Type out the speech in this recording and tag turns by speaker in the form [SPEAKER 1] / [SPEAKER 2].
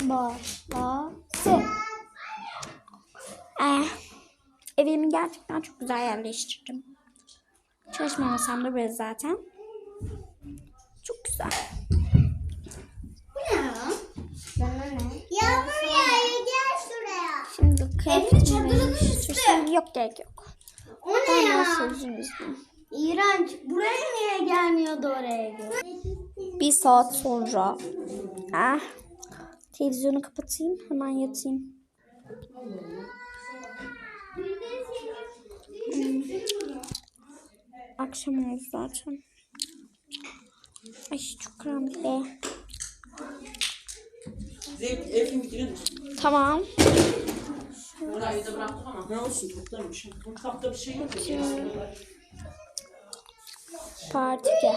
[SPEAKER 1] başlasın. Evimi gerçekten çok güzel yerleştirdim. Çalışma masamda böyle zaten. Çok güzel.
[SPEAKER 2] Bu ne ya? Yağmur yağıyor, gel şuraya.
[SPEAKER 1] Şimdi
[SPEAKER 2] çadırının üstü.
[SPEAKER 1] Yok, gerek yok.
[SPEAKER 2] O ne ya?
[SPEAKER 1] Üzgünüm.
[SPEAKER 2] İğrenç. Buraya niye gelmiyordu oraya göre?
[SPEAKER 1] Bir saat sonra. Televizyonu kapatayım, hemen yatayım. Akşam oldu zaten. Ay çok karanlık be. Tamam.
[SPEAKER 3] Burayı da bıraktık ama ne olsun, toplamış. Mutfakta bir şey yok ya.
[SPEAKER 1] Parti